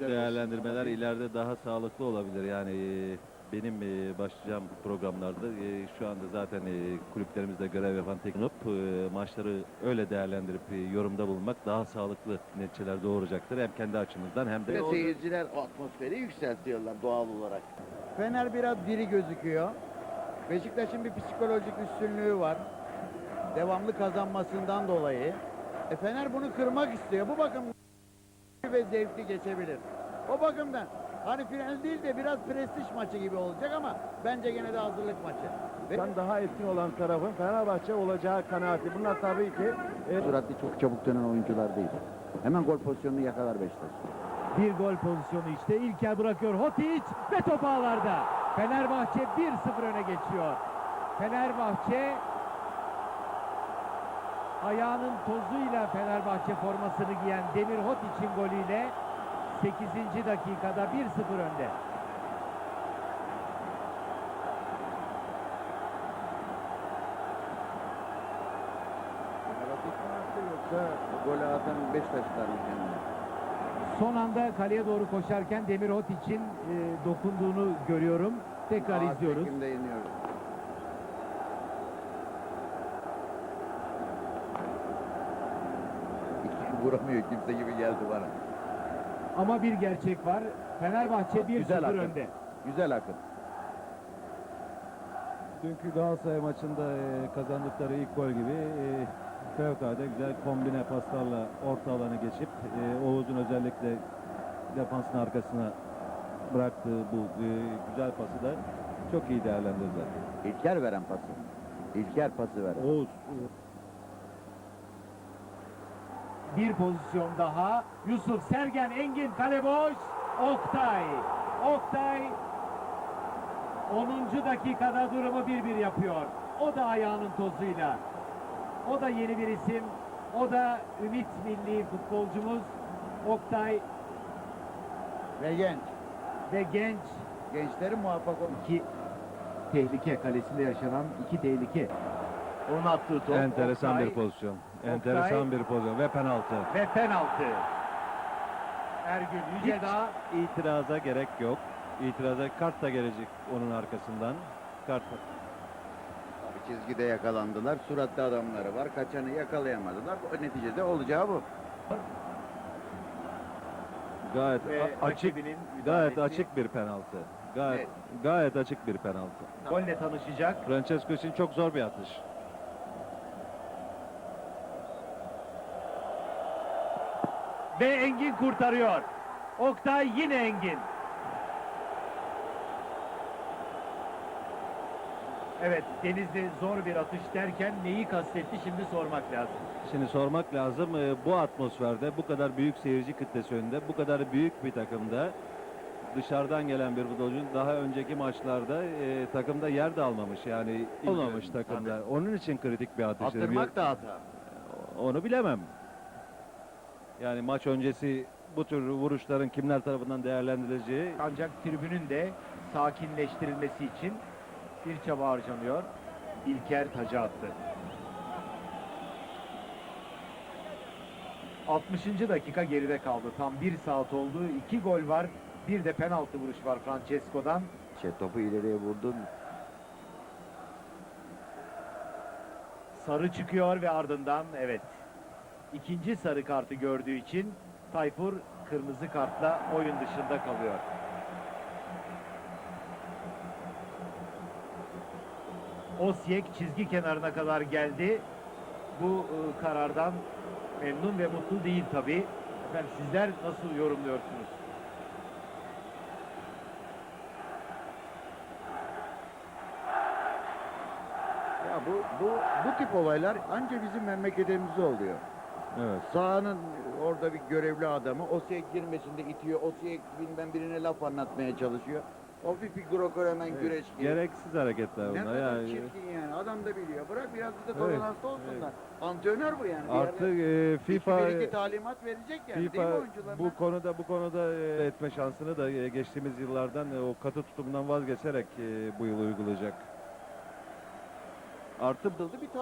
değerlendirmeler ileride daha sağlıklı olabilir. Yani benim başlayacağım programlarda şu anda zaten kulüplerimizde görev yapan teknik maçları öyle değerlendirip yorumda bulunmak daha sağlıklı neticeler doğuracaktır. Hem kendi açımızdan hem de Seyirciler o atmosferi yükseltiyorlar doğal olarak. Fener biraz diri gözüküyor. Beşiktaş'ın bir psikolojik üstünlüğü var. Devamlı kazanmasından dolayı. Fener bunu kırmak istiyor. Bu bakımdan ve zevkli geçebilir. O bakımdan hani final değil de biraz prestij maçı gibi olacak ama bence gene de hazırlık maçı. Daha etkin olan tarafın Fenerbahçe olacağı kanaati. Bunlar tabii ki Süratli çok çabuk dönen oyuncular değil. Hemen gol pozisyonunu yakalar Beşiktaş. Bir gol pozisyonu işte. İlker bırakıyor. Hotić ve top ağlarda. Fenerbahçe 1-0 öne geçiyor. Fenerbahçe ayağının tozuyla Fenerbahçe formasını giyen Demir Hotić'in golüyle 8. dakikada 1-0 önde. Yoksa golü atan Beşiktaşlar mı kendine? Son anda kaleye doğru koşarken Demir Hotić'in dokunduğunu görüyorum. Tekrar izliyoruz. Çekimde yeniyoruz. Vuramıyor kimse gibi geldi bana. Ama bir gerçek var. Fenerbahçe 1-0 önde. Güzel akın. dünkü Galatasaray maçında kazandıkları ilk gol gibi fevkalade güzel kombine paslarla orta alanı geçip Oğuz'un özellikle defansın arkasına bıraktığı bu güzel pası da çok iyi değerlendirdiler. İlker veren pası. İlker pası veren. Oğuz Bir pozisyon daha. Yusuf Sergen, Engin kale boş. Oktay. Oktay 10. dakikada durumu 1-1 yapıyor. O da ayağının tozuyla. O da yeni bir isim. O da Ümit milli futbolcumuz Oktay Ve genç. ve genç. Gençlerin muvaffak olması. İki tehlike, kalesinde yaşanan iki tehlike. Onun attığı top. enteresan Oktay bir pozisyon. Enteresan bir pozisyon ve penaltı. ve penaltı. Ergün Yücedağ İtiraza gerek yok. İtiraza kart da gelecek onun arkasından. Kart. Çizgide yakalandılar. Suratlı adamları var. Kaçanı yakalayamadılar. O neticede olacağı bu. Gayet ve açık, rakibinin gayet müdahalesi. açık bir penaltı. Gayet Evet. gayet açık bir penaltı. Golle tanışacak. Francesco için çok zor bir atış. Ve Engin kurtarıyor. Oktay yine Engin. Evet, Denizli zor bir atış derken neyi kastetti şimdi sormak lazım. Şimdi sormak lazım bu atmosferde bu kadar büyük seyirci kitlesi önünde bu kadar büyük bir takımda dışarıdan gelen bir futbolcunun daha önceki maçlarda takımda yer de almamış yani olmamış takımda. Onun için kritik bir atış. Attırmak da hata. Onu bilemem. Yani maç öncesi bu tür vuruşların kimler tarafından değerlendirileceği Ancak tribünün de sakinleştirilmesi için bir çaba harcanıyor. İlker taca attı. 60. dakika geride kaldı. Tam 1 saat oldu. 2 gol var. Bir de penaltı vuruş var Francesco'dan. Topu ileriye vurdun. Sarı çıkıyor ve ardından evet. İkinci sarı kartı gördüğü için Tayfur kırmızı kartla oyun dışında kalıyor. Osijek çizgi kenarına kadar geldi. Bu karardan memnun ve mutlu değil tabii. Efendim sizler nasıl yorumluyorsunuz? Ya bu tip olaylar anca bizim memleketimizde oluyor. evet. Sahanın orada bir görevli adamı Osijek girmesinde itiyor. Osijek bilmem birine laf anlatmaya çalışıyor. Hafif bir Greco-Romen güreş gibi. Gereksiz hareketler Ne bunlar. kadar Yani, çirkin yani. Adam da biliyor. Bırak biraz da Evet, tolerans olsunlar. Antrenör bu yani. Bir artık yerde FIFA bir iki talimat verecek yani. Değil mi FIFA oyuncularına? bu konuda etme şansını da geçtiğimiz yıllardan o katı tutumdan vazgeçerek bu yıl uygulayacak. Artı Bir